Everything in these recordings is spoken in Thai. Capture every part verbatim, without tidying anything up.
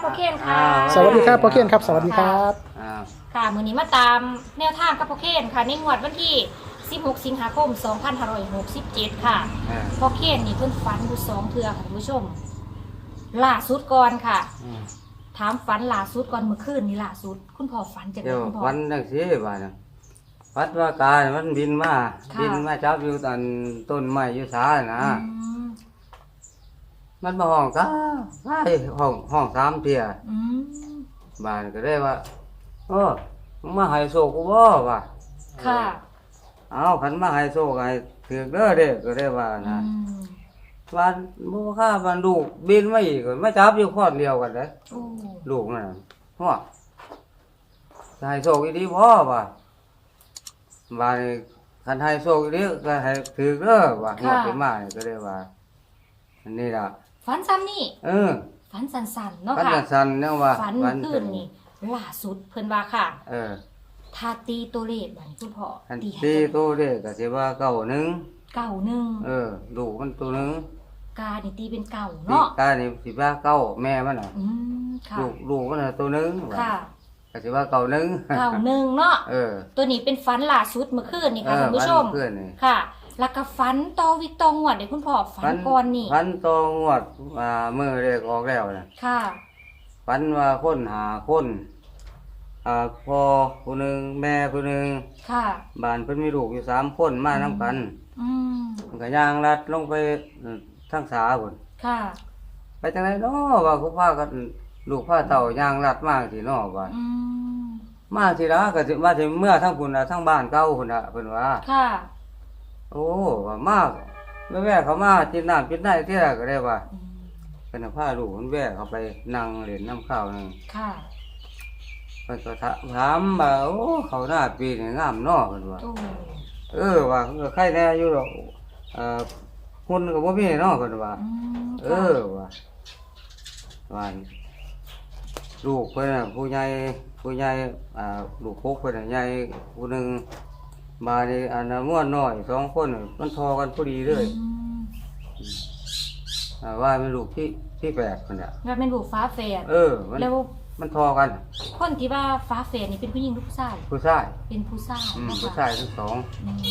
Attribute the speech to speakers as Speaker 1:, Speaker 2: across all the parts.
Speaker 1: พ่อเคนค่ะ
Speaker 2: สวัสดีครับพ่อเคนครับสวัสดีครับ
Speaker 1: ค่ะมื้อนี้มาตามแนวทางกับพ่อเคนค่ะในงวดวันที่สิบหกสิงหาคมสองพันห้าร้อยหกสิบเจ็ดค่ะพ่อเคนนี่เพิ่นฝันอยู่สองเทื่อค่ะคุณผู้ชมล่าสุดก่อนค่ะถามฝันล่าสุดก่อนเมื่อคืนนี่ล่าสุดคุณพ่อฝันจังได๋
Speaker 3: เดี๋ยว
Speaker 1: คุณพ่อ
Speaker 3: วันจังซี่ว่าน่ะวัดว่ากามันบินมา
Speaker 1: ค่ะ
Speaker 3: บินมาจับอยู่ตอนต้นไม้อยู่ศาลนะ
Speaker 1: อืม
Speaker 3: มันมาห้องกาไอ้ห้องห้องสามเที่ย
Speaker 1: อืม
Speaker 3: บ้านก็ได้ว่าโอ้มึงมาให้โชคกูบ่ว่า
Speaker 1: ค่ะ
Speaker 3: เอาคันมาให้โชคให้ถือเด้อเด้อก็ได้ว่า
Speaker 1: อื
Speaker 3: นะ
Speaker 1: ม
Speaker 3: วันบ่ค่าวันลูกบินมาอีกก็มาจับอยู่คอนเดียวกันเด้อ
Speaker 1: โอ้
Speaker 3: ลูกนั่นน่ะฮอดจะให้โชคอีดีบ่ว่าบ้านนี้คันให้โชคอีดีก็ให้ถือเด้อว่าฮอดไปมานี่ก็ได้ว่าอันนี้ล่ะ
Speaker 1: ฝันซ้ำนี่
Speaker 3: เออ
Speaker 1: ฝันสั้นๆเนาะ
Speaker 3: พัน
Speaker 1: ค่ะ
Speaker 3: สันๆเนี่ยว่า
Speaker 1: ฝันเมื่อคืนนี่ล่าสุดเพิ่นว่าค่ะ
Speaker 3: เออ
Speaker 1: ถ้าตีตัวเลขบัดนี้คุณพ่อ
Speaker 3: อัน
Speaker 1: ตีให้
Speaker 3: ตี
Speaker 1: จัง
Speaker 3: ตัวเด็กก็สิว่าเก้าหนึ่ง
Speaker 1: เก่าหนึ่ง
Speaker 3: เออลูกมันตัวหนึ่ง
Speaker 1: กานี่ตีเป็นเก่า
Speaker 3: ปี
Speaker 1: เนาะ
Speaker 3: กานี่สิว่าเก้าแม่มันน่ะ
Speaker 1: อืมค่ะ
Speaker 3: ลูกลูกมันน่ะตัวหนึ่งว่า
Speaker 1: ค่ะ
Speaker 3: ก็สิว่าเก้าหนึ่ง
Speaker 1: เก่าหนึ่งเนาะ
Speaker 3: เออ
Speaker 1: ตัวนี้เป็นฝันล่าสุดเมื่อคืนนี่
Speaker 3: เอ
Speaker 1: ค่ะ
Speaker 3: อ
Speaker 1: คุณผู้ชม
Speaker 3: เพื่อนนี่
Speaker 1: ค่ะ แล้วก็ฝันต่อวิกตองวดเดี๋ยวคุณพ่อฝันก่อนนี่
Speaker 3: พันตองวดอ่ามือเด็กออกแล้วน่ะ
Speaker 1: ค่ะ
Speaker 3: พันว่าคนหาคนอ่าพ่อผู้หนึงแม่ผู้หนึง
Speaker 1: ค่ะ
Speaker 3: บ้านเพิ่นมีลูกอยู่สามคนมานํกัน
Speaker 1: อืม
Speaker 3: มันก็ย่างลัดลงไปทางสาพุ่น
Speaker 1: ค่ะ
Speaker 3: ไปจังไดเนาะว่าผู้พากันลูกพาเต่าย่างลัดมากสิเนาะว่า
Speaker 1: อืม
Speaker 3: มาสิละก็สิมาสิเมื่อทั้งพุ่นน่ะทั้งบ้านเก่าพุ่นน่ะเพิ่นว่า
Speaker 1: ค่ะ
Speaker 3: โอ้ว่ามากแว่ๆเขามากินน้ำกินได้เที่ยก็ได้ว่า
Speaker 1: อืม
Speaker 3: เพิ่นน่ะพาลูกเพิ่นแว่เขาไปนั่งเล่นน้ำข้าวนึง
Speaker 1: ค่ะ
Speaker 3: เพิ่นก็ถถามว่าโอ้เขาหน้าปีนี่งามเนาะเพิ่นว่า
Speaker 1: โอ้
Speaker 3: เออว่าเออใครแน่อยู่ดอกเอ่อหุ่นก็บ่มีเนาะเพิ่นว่า
Speaker 1: อืม
Speaker 3: เออว่าว่าลูกเพิ่นน่ะผู้ใหญ่ผู้ใหญ่อ่าลูกพกเพิ่นน่ะใหญ่ผู้หนึงมานี่อันน่ะม่วนน้อยสองคนน่ะมันทอกันพอดีเลย
Speaker 1: อืม
Speaker 3: อ่าว่าเป็นลูกที่ที่แปดคนน่ะ
Speaker 1: ว่าเป็นลูกฟ้าแฝด
Speaker 3: เออมัน
Speaker 1: แล้ว
Speaker 3: มันทอกัน
Speaker 1: คนที่ว่าฟ้าแฝดนี่เป็นผู้หญิงหรือผู้ชาย
Speaker 3: ผู้ชาย
Speaker 1: เป็นผู้ชาย
Speaker 3: อืม
Speaker 1: เนาะ
Speaker 3: ผู้
Speaker 1: ค่ะ
Speaker 3: ชายทั้งสอง
Speaker 1: อืม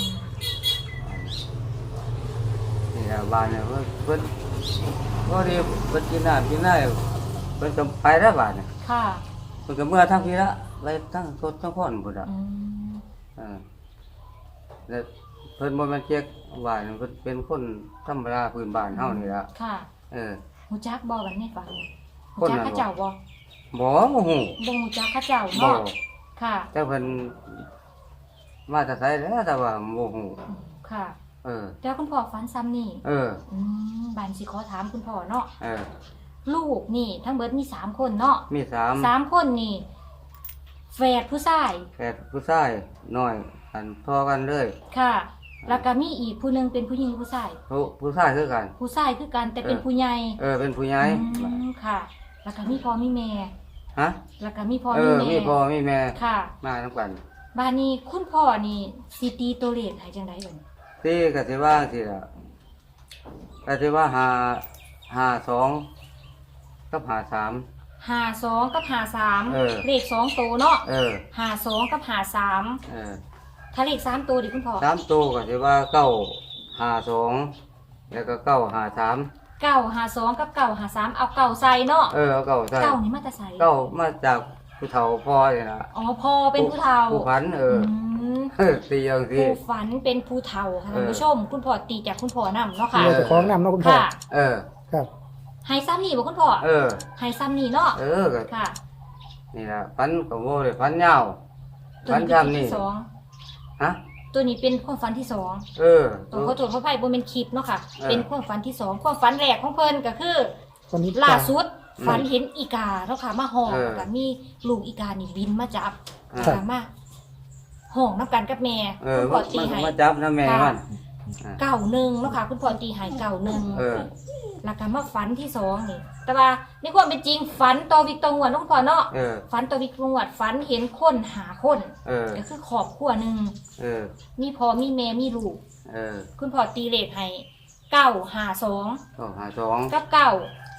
Speaker 3: นี่แหละบ้านเนี่ยเพิ่นเพิ่นก็ดีเพิ่นกินน้ำกินได้เพิ่นก็ไปแล้วบ้านเนี่ย
Speaker 1: ค่ะ
Speaker 3: เพิ่นก็เมื่อทั้งพี่ละไปทั้งสดทั้งพ่อนพุ่นอ่ะ
Speaker 1: อืม
Speaker 3: เออแล้วเพิ่นบ่แม่นเจ๊กบ้านเพิ่นเป็นคนธรรมดาพื้นบ้านเฮานี่ล่ะ
Speaker 1: ค่ะ
Speaker 3: เออ
Speaker 1: หูจักบ่บัดนี้ฟังหู
Speaker 3: คน
Speaker 1: จัก
Speaker 3: นั้นบ่
Speaker 1: เข้าเจ้าบ่
Speaker 3: บ่บ่ฮู้
Speaker 1: บ่หูจักเข้าเจ้า
Speaker 3: บ่
Speaker 1: เนาะค่ะ
Speaker 3: แต่เพิ่นมาแต่ไสแล้วแต่ว่าบ่ฮู้
Speaker 1: อืมค่ะ
Speaker 3: เออ
Speaker 1: แต่คุณพ่อฝันซ้ำนี่
Speaker 3: เออ
Speaker 1: อืมบานสิขอถามคุณพ่อเนาะ
Speaker 3: เออ
Speaker 1: ลูกนี่ ทั้งเบิดมีสามคนเนาะ
Speaker 3: มีสาม
Speaker 1: สามคนนี่แฝดผู้ชาย
Speaker 3: แฝดผู้ชายน้อยอันพอกันเลย
Speaker 1: ค่ะ แล้วก็มีอีกผู้หนึงเป็นผู้หญิงหรือผู้ชาย
Speaker 3: ผู้ผู้ชายคือกัน
Speaker 1: ผู้ชายคือกันแต่เป็น
Speaker 3: เออ
Speaker 1: ผู้ใหญ่
Speaker 3: เออเป็นผู้ใหญ่
Speaker 1: อืมค่ะ แล้วก็มีพ่อมีแม่
Speaker 3: ฮะ
Speaker 1: แล้วก็มีพ่อ
Speaker 3: เอ
Speaker 1: มี
Speaker 3: อ
Speaker 1: แม่
Speaker 3: มีพ่อมีแม่
Speaker 1: ค่ะ
Speaker 3: มาทั้งกัน
Speaker 1: บ้านนี้คุณพ่อนี่สิตีตัวเลขให้จังได๋เบิ่น
Speaker 3: ที่ก็สิว่าสิล่ะก็สิว่าหาหาสองกับหาสาม
Speaker 1: ห้าสองกับห้าสาม
Speaker 3: เออ
Speaker 1: เลขสองตัวเนาะ
Speaker 3: เออ
Speaker 1: ห้าสองกับห้าสาม
Speaker 3: เออ
Speaker 1: ถ้าเลขสามตัวดิคุณพ่อ
Speaker 3: สามตัวก็สิว่าเก้าหาสองแล้วก็เก้าหาสาม
Speaker 1: เก้าห้าสองกับเก้าห้าสามเอาเก้าใส่เนาะ
Speaker 3: เออเอาเก้าใส่
Speaker 1: เก้านี่มาแต่ใส่
Speaker 3: เก้ามาจากผู้เฒ่าพ่อนี่ล่ะ
Speaker 1: อ๋อพ่อเป็นผู้เฒ่า
Speaker 3: ผู้พันเออ
Speaker 1: ม
Speaker 3: เออตีอย่างสิ
Speaker 1: ผู้ฝันเป็นผู้เฒ่าค่ะ
Speaker 3: เออ
Speaker 1: ท่านผู้ชม คุณพ่อตีจากคุณพ่อนำเนาะค่ะ
Speaker 2: เราจะคล้องนำเนาะคุณพ่อ
Speaker 1: ค่ะ
Speaker 3: เออ
Speaker 2: ครับ
Speaker 1: ให้ซ้ำนี่บ่คุณพ่อ
Speaker 3: เออ
Speaker 1: ให้ซ้ำนี่เนาะ
Speaker 3: เออก็
Speaker 1: ค่ะ
Speaker 3: นี่ล่ะพันกับโว้เลยพันยาว
Speaker 1: ตัว
Speaker 3: พัน
Speaker 1: นี้เป็น
Speaker 3: จำนี่
Speaker 1: ที่สอง
Speaker 3: ฮะ
Speaker 1: ตัวนี้เป็นความฝันที่สอง
Speaker 3: เออ
Speaker 1: ตัวเขาตรวจเขาไพ่บ่เป็นคลิปเนาะค่ะ
Speaker 3: เออ
Speaker 1: เป็นความฝันที่สองความฝันแรกของเพิ่นก็คือ
Speaker 2: วันนี้
Speaker 1: ล่าสุด
Speaker 3: อืม
Speaker 1: ฝันเห็นอีกาเนาะค่ะมาห้อง
Speaker 3: เออ
Speaker 1: แล้วก็มีลูกอีกานี่บินมาจับ
Speaker 3: อ่า
Speaker 1: แล้วก็มาห้องน้ำกันกับแม่
Speaker 3: เออ
Speaker 1: คุณพ่อตี
Speaker 3: มัน
Speaker 1: ให้
Speaker 3: มาจับนะแม่มัน
Speaker 1: เก่าหนึ่งเนาะค่ะคุณพ่อตีให้เก่าหนึ่ง
Speaker 3: เออ
Speaker 1: แล้วก็มาฝันที่สองนี่ แต่ว่าในความเป็นจริงฝันต่อวิกตองวดเนาะคุณพ่อเนาะ
Speaker 3: เออ
Speaker 1: ฝันต่อวิกตองวดฝันเห็นคนหาคน
Speaker 3: เออ
Speaker 1: ก็คือครอบครัวหนึ่ง
Speaker 3: เออ
Speaker 1: มีพ่อมีแม่มีลูก
Speaker 3: เออ
Speaker 1: คุณพ่อตีเลขให้เก้าหาสอง
Speaker 3: ก็หาสอง
Speaker 1: กับเก้า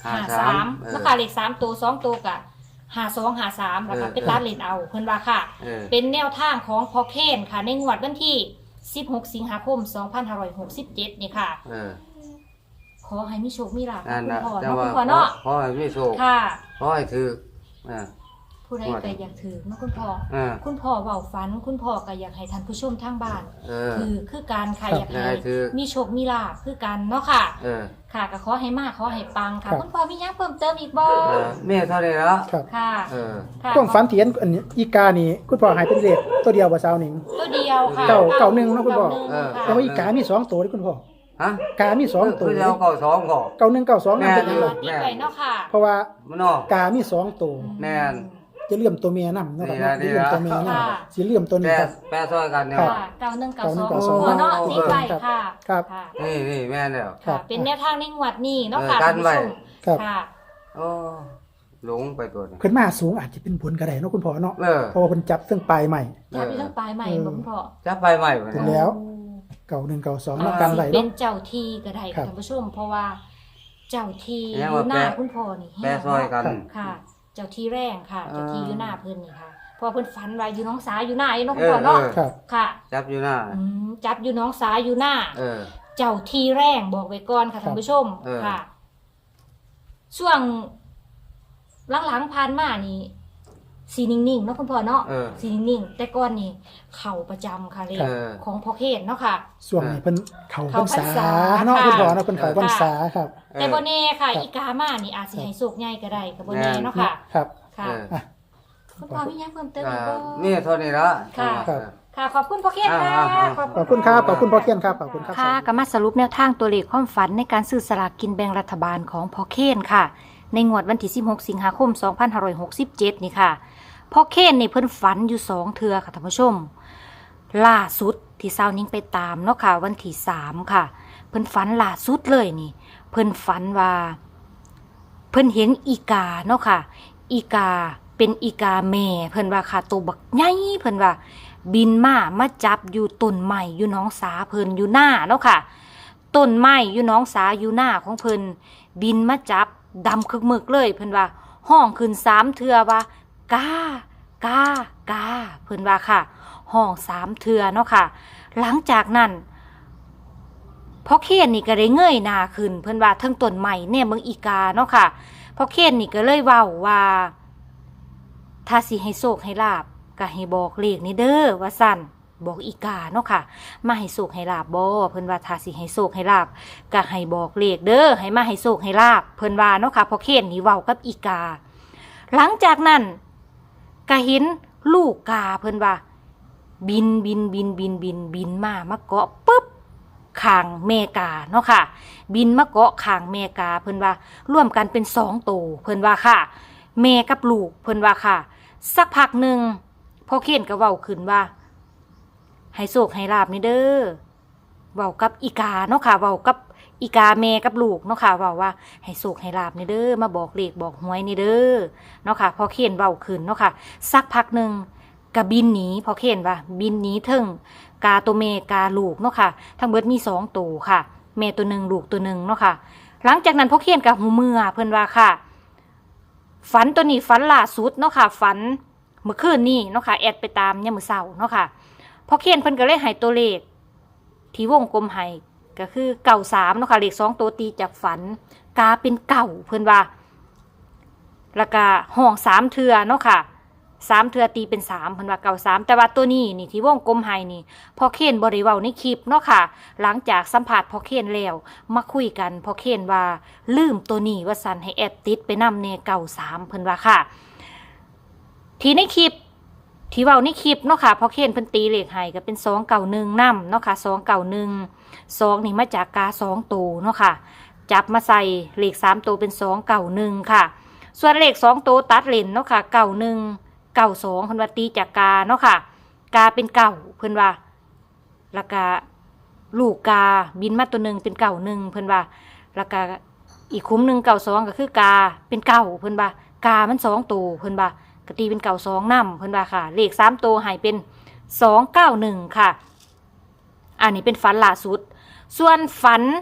Speaker 3: ห้า
Speaker 1: หา
Speaker 3: สา
Speaker 1: สาม ม
Speaker 3: เออ
Speaker 1: แล้วก็เลขสามตัวสองตัวกับหาสองหาสามแล้วก็
Speaker 3: เออ
Speaker 1: เป็นตัดเลนเอาเพิ่นว่าค่ะ
Speaker 3: เออ
Speaker 1: เป็นแนวทางของพอเคนค่ะ ในงวดวันที่สิบหกสิงหาคมสองพันห้าร้อยหกสิบเจ็ดนี่ค่ะ
Speaker 3: เออ
Speaker 1: ขอให้มีโชคมีลาภ
Speaker 3: นั่น
Speaker 1: คุณ
Speaker 3: นะ
Speaker 1: พ่อ
Speaker 3: แต่
Speaker 1: เนาะ
Speaker 3: ว่า
Speaker 1: คุณพ่อเนาะ
Speaker 3: ขอให้มีโชค
Speaker 1: ค่ะ
Speaker 3: ขอให้ถืออ่า
Speaker 1: ผู้ใดก็อยากถือเนาะคุณพ่อ
Speaker 3: อ่า
Speaker 1: คุณพ่อเว้าฝัน คุณพ่อก็อยากให้ท่านผู้ชมทางบ้าน
Speaker 3: เออ
Speaker 1: คือคือการค่ะ
Speaker 2: ครับ
Speaker 1: อยากให้
Speaker 3: อยากให้ถือ
Speaker 1: มีโชคมีลาภคือกันเนาะค่ะ
Speaker 3: เออ
Speaker 1: ค่ะก็ขอให้มากขอให้ปังค่ะ
Speaker 2: ครับ
Speaker 1: คุณพ่อมีหยังเพิ่มเติมอีกบ่
Speaker 3: เออแม่เท่านี้ละ
Speaker 2: ครับ
Speaker 1: ค่ะ
Speaker 3: เออ
Speaker 1: ค่ะ
Speaker 2: ความฝันเถียนอันนี้อีกานี่คุณพ่อหายเป็นเลขตัวเดียวบ่สาวหนิง
Speaker 1: ตัวเดียวค่ะ
Speaker 2: เก้าเก้าหนึ่งเนาะคุณพ่อ
Speaker 1: เก้าหนึ่ง
Speaker 3: เออ
Speaker 1: ค่ะ
Speaker 2: แต่ว่าอีกามีสองตัวที่คุณพ่อ
Speaker 3: ฮะ
Speaker 2: กามีสองตัว
Speaker 3: คือเราเก่าสองก่อ
Speaker 2: เก้าหนึ่งเก้าสองนั่นเป็น
Speaker 3: แม่
Speaker 2: ยังไง
Speaker 1: ติดไว้เนาะค่ะ
Speaker 2: เพราะว่า
Speaker 3: มันเนาะ
Speaker 2: กามีสองตัว
Speaker 3: แม่น
Speaker 2: จะเลื่อมตัวเมียนำนะครับ
Speaker 3: นี่
Speaker 2: จะ
Speaker 3: นะ
Speaker 2: เลื่อมตัวเมียน
Speaker 1: ค่ะ
Speaker 2: ำสิเลื่อมตัวนี้
Speaker 3: แปร
Speaker 2: ครับ
Speaker 3: แปรซอยกันเนี่ย
Speaker 2: ครับ
Speaker 1: ค่ะเก้าหนึ่งเก้าสอง
Speaker 2: เก้าหนึ่งเก้าสอง
Speaker 1: เนาะ
Speaker 3: โอ้
Speaker 1: ติดไว้ค่ะ
Speaker 2: ครับ
Speaker 1: ค่ะ
Speaker 3: นี่นี่แม่นแล้ว
Speaker 2: ครั
Speaker 1: ค่ะ
Speaker 2: บ
Speaker 1: เป็นแนวทางในงวดนี้เนาะ
Speaker 3: เออ
Speaker 1: ค่ะ
Speaker 3: กั
Speaker 1: ท่าน น
Speaker 3: ไว้
Speaker 1: ผู้ชม
Speaker 2: ครับ
Speaker 1: ค่ะ
Speaker 3: โอ้หลงไปตัวนี้
Speaker 2: ขึ้นมาสูงอาจจะเป็นผลกระไดเนาะคุณพ่อเนาะ
Speaker 3: เออ
Speaker 2: เพราะว่าเพิ่นจับซึ่งปลายใหม่
Speaker 1: จับอยู่ทั้งปลายใหม่
Speaker 2: เออ
Speaker 1: บ่คุณพ่อ
Speaker 3: จะไปใหม่บ่
Speaker 2: ถึ
Speaker 3: เนี่
Speaker 2: ง
Speaker 3: ย
Speaker 2: แล้ว เก่าหนึ่งเก่าสอง
Speaker 1: อ่า
Speaker 2: แล้วกันไหล
Speaker 1: เป็
Speaker 2: เนาะ
Speaker 1: นเจ้าที่ก็ได้
Speaker 2: ครั
Speaker 1: ค่ะ
Speaker 2: บ
Speaker 1: ท่านผู้ชม เพราะว่าเจ้าที่อ
Speaker 3: ยัง
Speaker 1: ยู่
Speaker 3: ว่า
Speaker 1: หน้า
Speaker 3: แปร
Speaker 1: คุณพ่อนี่
Speaker 3: แปรซอยกัน
Speaker 1: ค่ะ เจ้าที่แรงค่ะ
Speaker 3: อ่า
Speaker 1: เจ้าที่อยู่หน้าเพิ่นนี่ค่ะเพอเพิ่นฝันว่าอยู่น้องสาอยู่หน้าอยู่เนาะ
Speaker 3: เอ
Speaker 1: คุณ
Speaker 3: อ
Speaker 1: พ่อเนาะ
Speaker 3: เออ
Speaker 2: ครับ
Speaker 1: ค่ะ
Speaker 3: จับอยู่หน้า
Speaker 1: อืมจับอยู่น้องสาอยู่หน้า
Speaker 3: เออ
Speaker 1: เจ้าที่แรงบอกไว้ก่อนค่ะท่านผู้ชม
Speaker 3: เออ
Speaker 1: ค่ะ ช่วงหลังๆผ่านมานี่สีนิ่งๆเนาะคุณพ่อเนาะ
Speaker 3: เออ
Speaker 1: สีนิ่งๆแต่ก่อนนี่เข่าประจำค่ะเลข
Speaker 3: เออ
Speaker 1: ของพ่อเคนเนาะค่ะ
Speaker 2: ช่วงนี้เพิ่นเขาพร
Speaker 1: เข้าร พร
Speaker 2: ษาร
Speaker 1: ษา
Speaker 2: เนาะ
Speaker 1: ค่ะ
Speaker 2: คุณพ่อเนาะเพิ่นเขาพรรษาครับ
Speaker 3: เออ
Speaker 1: แต่บ่แน่ค่ะ
Speaker 2: ครับ
Speaker 1: อีกามานี่อาจสิให้สุกใหญ่ก็ได้ก็บ่แน่
Speaker 3: แม่น
Speaker 1: เนาะค่ะ
Speaker 2: ครับ
Speaker 1: ค่ะ
Speaker 3: เออ
Speaker 2: อ่ะ
Speaker 1: คุณพ่อมีหยังเพิ่มเติม
Speaker 3: อ่า
Speaker 1: อีกบ่
Speaker 3: นี่เท่านี้ละ
Speaker 1: ค่ะ
Speaker 2: ครับ
Speaker 1: ค่ะ ขอบคุณพ่อเคนค่ะ
Speaker 3: อ่าอ่าอ่า
Speaker 2: ขอบคุณครับขอบคุณพ่อเคียนครับขอบคุณครับ
Speaker 1: ค่ะก็มาสรุปแนวทางตัวเลขความฝันในการซื้อสลากกินแบ่งรัฐบาลของพ่อเคนค่ะ ในงวดวันที่สิบหกสิงหาคมสองพันห้าร้อยหกสิบเจ็ดนี่ค่ะพ่อเคนนี่เพิ่นฝันอยู่สองเทื่อค่ะท่านผู้ชม ล่าสุดที่สาวนิ้งไปตามเนาะค่ะวันที่สามค่ะ เพิ่นฝันล่าสุดเลยนี่ เพิ่นฝันว่า เพิ่นเห็นอีกาเนาะค่ะ อีกาเป็นอีกาแม่เพิ่นว่าค่ะตัวบักใหญ่เพิ่นว่า บินมามาจับอยู่ต้นไม้อยู่หน้องสาเพิ่นอยู่หน้าเนาะค่ะต้นไม้อยู่หน้องสาอยู่หน้าของเพิ่นบินมาจับดำคึกมึกเลยเพิ่นว่า ห้องขึ้นสามเทื่อว่ากากากาเพิ่นว่าค่ะ ห้องสามเทื่อเนาะค่ะ หลังจากนั้นพ่อเคนนี่ก็ได้เงยหน้าขึ้น เพิ่นว่าเทั้งต้นไม้เนี่ยเมืองอีกาเนาะค่ะพ่อเคนนี่ก็เลยเว้าว่า ถ้าสิให้โชคให้ลาบก็ให้บอกเลขนี่เด้อว่าสั่นบอกอีกาเนาะค่ะ มาให้โชคให้ลาบบ่เพิ่นว่าถ้าสิให้โชคให้ลาบก็ให้บอกเลขเด้อให้มาให้โชคให้ลาบเพิ่นว่าเนาะค่ะพ่อเคนนี่เว้ากับอีกา หลังจากนั้นก็เห็นลูกกาเพิ่นว่า บินบินบินบินบินบินมามาเกาะปึ๊บข้างเมกาเนาะค่ะ บินมาเกาะข้างเมกาเพิ่นว่าร่วมกันเป็นสองตัวเพิ่นว่าค่ะแม่กับลูกเพิ่นว่าค่ะ สักพักหนึ่งพ่อเคนก็เว้าขึ้นว่า ให้โชคให้ลาบนี่เด้อเว้ากับอีกาเนาะค่ะเว้ากับอีกาแม่กับลูกเนาะค่ะเว้าว่าให้โชคให้ลาบนี่เด้อมาบอกเลขบอกหวยนี่เด้อเนาะค่ะพ่อเคนเว้าขึ้นเนาะค่ะสักพักหนึ่งก็บินหนีพ่อเคนว่า บินหนีเทิงกาตัวแม่กาลูกเนาะค่ะทั้งเบิดมีสองตัวค่ะแม่ตัวหนึ่งลูกตัวหนึ่งเนาะค่ะ หลังจากนั้นพ่อเคนกับหูเมื่อเพิ่นว่าค่ะ ฝันตัวนี้ฝันล่าสุดเนาะค่ะฝันเมื่อคืนนี้เนาะค่ะแอดไปตามยามมื้อเช้าเนาะค่ะพอเขียนเพิ่นก็เลยให้ตัวเลขที่วงกลมให้ก็คือเก้าสามเนาะค่ะเลขสองตัวตีจากฝันกาเป็นเก้าเพิ่นว่าแล้วก็ห้องสามเทื่อเนาะค่ะสามเทื่อตีเป็นสามเพิ่นว่าเก้าสามแต่ว่าตัวนี้นี่ที่วงกลมให้นี่พอเขียนบ่ได้เว้าในคลิปเนาะค่ะหลังจากสัมภาษณ์พอเขียนแล้วมาคุยกันพอเขียนว่าลืมตัวนี้ว่าสั่นให้แอดติดไปนำแน่เก้าสามเพิ่นว่าค่ะที่ในคลิปที่เว้าในคลิปเนาะค่ะพอเคนเพิ่นตีเลขให้ก็เป็นสองเก้าหนึ่งนำเนาะค่ะสองเก้าหนึ่งสองนี่มาจากกาสองตัวเนาะค่ะจับมาใส่เลขสามตัวเป็นสองเก้าหนึ่งค่ะส่วนเลขสองตัวตัดเลนเนาะค่ะเก้าหนึ่งเก้าสองเพิ่นว่าตีจากกาเนาะค่ะกาเป็นเก้าเพิ่นว่าแล้วก็ลูกกาบินมาตัวหนึ่งเป็นเก้าหนึ่งเพิ่นว่าแล้วก็อีกคุ้มหนึ่งเก้าสองก็คือกาเป็นเก้าเพิ่นว่ากามันสองตัวเพิ่นว่ากตีเป็นเก่าสองน้ำเพิ่นว่าค่ะเลขสามตัวหายเป็นสองเก้าหนึ่งค่ะอันนี้เป็นฝันล่าสุดส่วนฝัน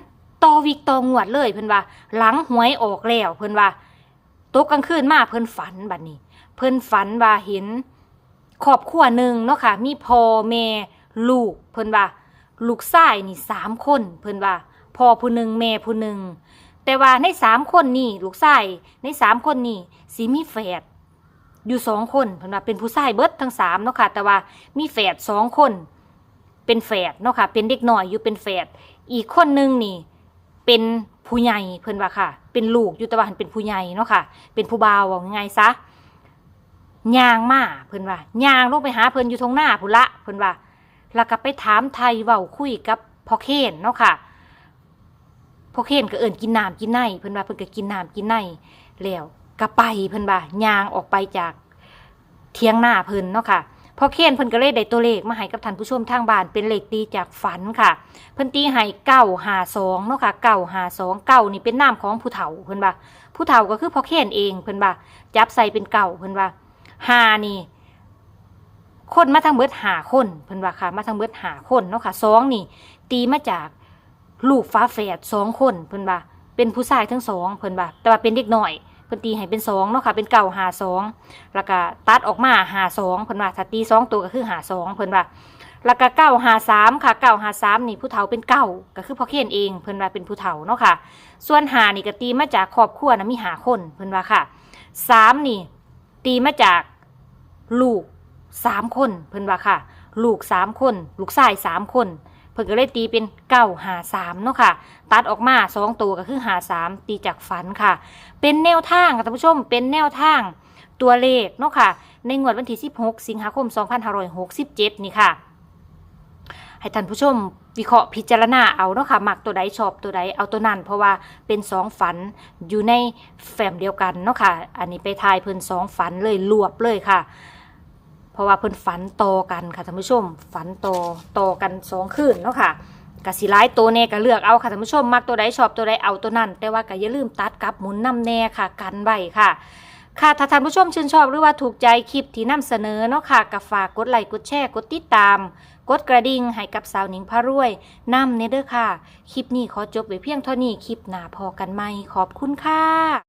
Speaker 1: ต่อวิกต่องวดเลยเพิ่นว่าหลังหวยออกแล้วเพิ่นว่าตกกลางคืนมาเพิ่นฝันบัดนี้ เพิ่นฝันว่าเห็นครอบครัวหนึ่งเนาะค่ะมีพ่อแม่ลูกเพิ่นว่าลูกชายนี่สามคนเพิ่นว่าพ่อผู้หนึ่งแม่ผู้หนึ่งแต่ว่าในสามคนนี่ลูกชายในสามคนนี่สิมีแฝดอยู่สองคนเพิ่นว่าเป็นผู้ชายเบิดทั้งสามเนาะค่ะแต่ว่ามีแฝดสองคนเป็นแฝดเนาะค่ะเป็นเด็กน้อยอยู่เป็นแฝดอีกคนนึงนี่เป็นผู้ใหญ่เพิ่นว่าค่ะเป็นลูกอยู่แต่ว่าเป็นผู้ใหญ่เนาะค่ะเป็นผู้บ่าวว่าไงซะย่างมาเพิ่นว่าย่างลงไปหาเพิ่นอยู่ทงหน้าพุ่นละเพิ่นว่าแล้วก็ไปถามไทยเว้าคุยกับพ่อเคนเนาะค่ะพ่อเคนก็เอิ้นกินน้ำกินไนเพิ่นว่าเพิ่นก็กินน้ำกินไนแล้วก็ไปเพิ่นว่าย่างออกไปจากเถียงหน้าเพิ่นเนาะค่ะพ่อเคนเพิ่นก็เลยได้ตัวเลขมาให้กับท่านผู้ชมทางบ้านเป็นเลขตีจากฝันค่ะเพิ่นตีให้เก้าห้าสองเนาะค่ะเก้าห้าสองเก้านี่เป็นนามของผู้เฒ่าเพิ่นว่าผู้เฒ่าก็คือพ่อเคนเองเพิ่นว่าจับใส่เป็นเก้าเพิ่นว่าห้านี่คนมาทางเบิดห้าคนเพิ่นว่าค่ะมาทางเบิดห้าคนเนาะค่ะสองนี่ตีมาจากลูกฟ้าแฝดสองคนเพิ่นว่าเป็นผู้ชายทั้งสองเพิ่นว่าแต่ว่าเป็นเด็กน้อยเพิ่นตีให้เป็นสองเนาะค่ะเป็นเก้าห้าสองแล้วก็ตัดออกมาห้าสองเพิ่นว่าถ้าตีสองตัวก็คือห้าสองเพิ่นว่าแล้วก็เก้าห้าสามค่ะเก้าห้าสามนี่ผู้เฒ่าเป็นเก้าก็คือพ่อเคนเองเพิ่นว่าเป็นผู้เฒ่าเนาะค่ะส่วนห้านี่ก็ตีมาจากครอบครัวนะมีห้าคนเพิ่นว่าค่ะสามนี่ตีมาจากลูกสามคนเพิ่นว่าค่ะลูกสามคนลูกชายสามคนเพิ่นก็เลยตีเป็นเก้าห้าสามเนาะค่ะตัดออกมาสองตัวก็คือห้าสามตีจากฝันค่ะเป็นแนวทางค่ะท่านผู้ชมเป็นแนวทางตัวเลขเนาะค่ะในงวดวันที่สิบหกสิงหาคมสองพันห้าร้อยหกสิบเจ็ดนี่ค่ะให้ท่านผู้ชมวิเคราะห์พิจารณาเอาเนาะค่ะมักตัวใดชอบตัวใดเอาตัวนั้นเพราะว่าเป็นสองฝันอยู่ในแฟ้มเดียวกันเนาะค่ะอันนี้ไปทายเพิ่นสองฝันเลยรวบเลยค่ะเพราะว่าเพิ่นฝันต่อกันค่ะท่านผู้ชมฝันต่อต่อกันสองคืนเนาะค่ะกะสิหลายตัวแน่ก็เลือกเอาค่ะท่านผู้ชมมักตัวใดชอบตัวใดเอาตัวนั้นแต่ว่าก็อย่าลืมตัดกับหมุนนำแน่ค่ะกันไว้ค่ะค่ะถ้าท่านผู้ชมชื่นชอบหรือว่าถูกใจคลิปที่นำเสนอเนาะค่ะก็ฝากกดไลค์กดแชร์กดติดตามกดกระดิ่งให้กับสาวหนิงพารวยนำเนเด้อค่ะคลิปนี้ขอจบไว้เพียงเท่านี้คลิปหน้าพอกันใหม่ขอบคุณค่ะ